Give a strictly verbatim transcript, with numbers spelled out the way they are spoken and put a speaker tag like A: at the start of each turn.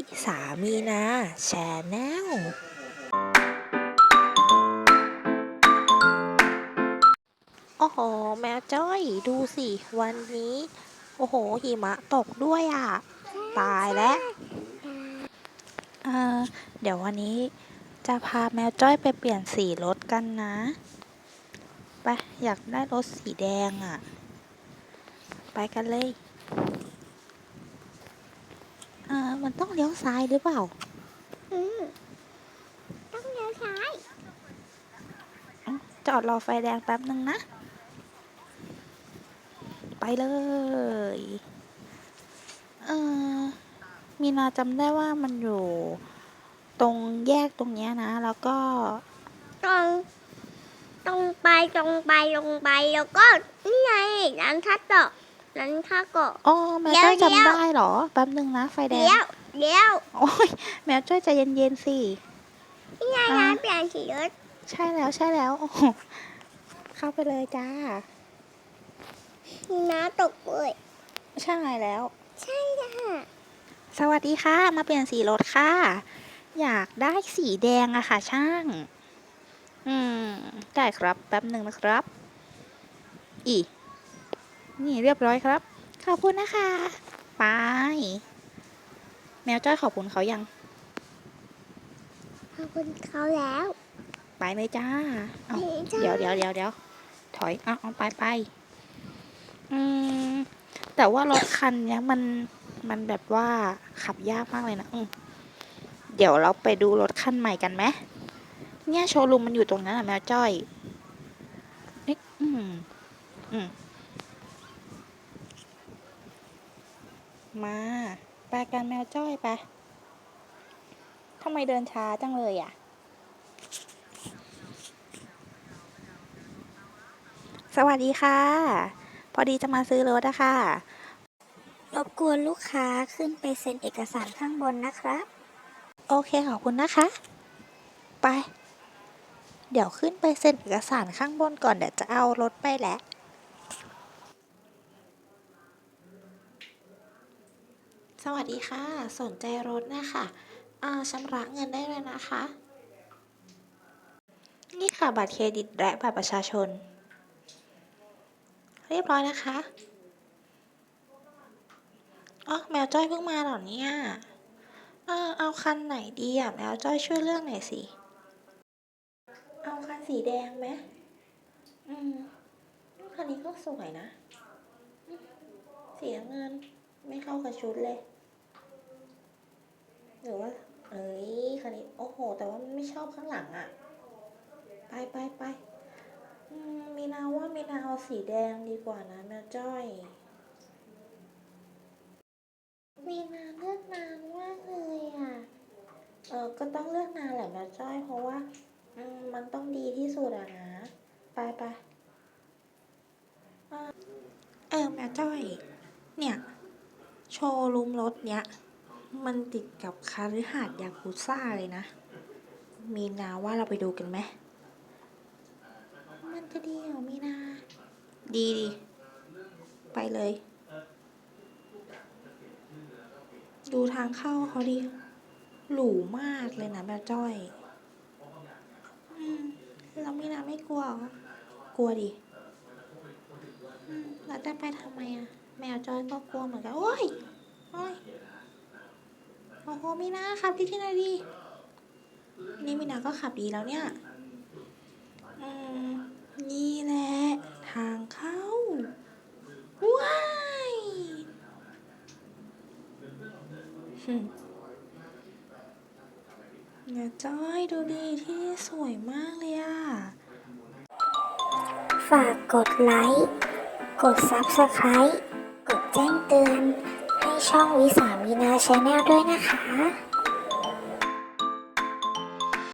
A: วิสามีนาแชนแนลโอ้โหแมวจ้อยดูสิวันนี้โอ้โหหิมะตกด้วยอ่ะตายแล้วเออเดี๋ยววันนี้จะพาแมวจ้อยไปเปลี่ยนสีรถกันนะไปอยากได้รถสีแดงอ่ะไปกันเลยเออมันต้องเลี้ยวซ้ายหรือเปล่า
B: อืมต้องเลี้ยวซ้าย
A: จอดรอไฟแดงแป๊บนึงนะไปเลยเออมีนาจำได้ว่ามันอยู่ตรงแยกตรงเนี้ยนะแล้วก็
B: ตรงตรงไปตรงไปลงไปแล้วก็นี่ไงร้านคัตโตะร้านคาโกะ
A: อ๋อแมวจ้อยจำได้เหรอแป๊บนึงนะไฟแดง
B: เลี้ยวเลี้ยว
A: โอ้ยแมวจ้อยใจเย็นๆสิ
B: นี่ไงร้านเปลี่ยนสีรถ
A: ใช่แล้วใช่แล้วโอ้เข้าไปเลยจ้า
B: มีน้าตกเลย
A: ใช่แล้ว
B: ใช่ค่ะ
A: สวัสดีค่ะมาเปลี่ยนสีรถค่ะอยากได้สีแดงอะค่ะช่างอืมได้ครับแป๊บหนึ่งนะครับอีนี่เรียบร้อยครับขอบคุณนะคะไปแมวจ้อยขอบคุณเขายัง
B: ขอบคุณเขาแล้ว
A: ไปเลยจ้าเอา
B: จ้า
A: เดี๋ยวเดี๋ยวเดี๋ยวเดี๋ยวถอยเอาเอาไปไปอืมแต่ว่ารถคันเนี้ยมันมันแบบว่าขับยากมากเลยนะอืมเดี๋ยวเราไปดูรถคันใหม่กันไหมเนี่ยโชว์รูมมันอยู่ตรงนั้นอะแมวจ้อยเอ๊ะอืมอืมมาไปกันแมวจ้อยไปทำไมเดินช้าจังเลยอ่ะสวัสดีค่ะพอดีจะมาซื้อรถอะค่ะ
B: รบกวนลูกค้าขึ้นไปเซ็นเอกสารข้างบนนะครับ
A: โอเคขอบคุณนะคะไปเดี๋ยวขึ้นไปเซ็นเอกสารข้างบนก่อนเดี๋ยวจะเอารถไปแหละสวัสดีค่ะสนใจรถนะคะอ่าชำระเงินได้เลยนะคะนี่ค่ะบัตรเครดิตและบัตรประชาชนเรียบร้อยนะคะอ๋อแมวจ้อยเพิ่งมาเหรอเนี่ยเออเอาคันไหนดีอ่ะแมวจ้อยช่วยเลือกหน่อยสิเอาคันสีแดงไหมอืมคันนี้ก็สวยนะสีน้ำเงินไม่เข้ากับชุดเลยหรือว่าเอ้ยคันนี้โอ้โหแต่ว่าไม่ชอบข้างหลังอ่ะไปไปไปอืมมีนาว่ามีนาเอาสีแดงดีกว่านะแมวจ้อยมีนาเลือกนานมากเลยอ่ะเออก็ต้องเลือกนานแหละแมวจ้อยเพราะว่าอืมมันต้องดีที่สุดอะนะไปไปเออแมวจ้อยเนี่ยโชว์รูมรถเนี้ยมันติดกับคฤหาสน์ยากุซ่าเลยนะมีนาว่าเราไปดูกันไหมมันจะดีเหรอมีนาดีดีไปเลยดูทางเข้าเขาดิหรูมากเลยนะแมวจ้อยอืมแล้วมีนาไม่กลัวเหรอกลัวดิอืมแล้วจะไปทำไมอะแมวจ้อยก็กลัวเหมือนกันโอ้ยโอ้ยโอ้โหมีนาขับดีที่ไหนดีนี่มีนาก็ขับดีแล้วเนี่ยอืมนี่แหละทางเข้าว้ายหึเนี่ยจ้อยดูดีที่สวยมากเลยอะ
B: ฝากกดไลค์กด ซับสไครบ์ กดแจ้งเตือนให้ช่องวิสามีนาแชนแนลด้วยนะคะ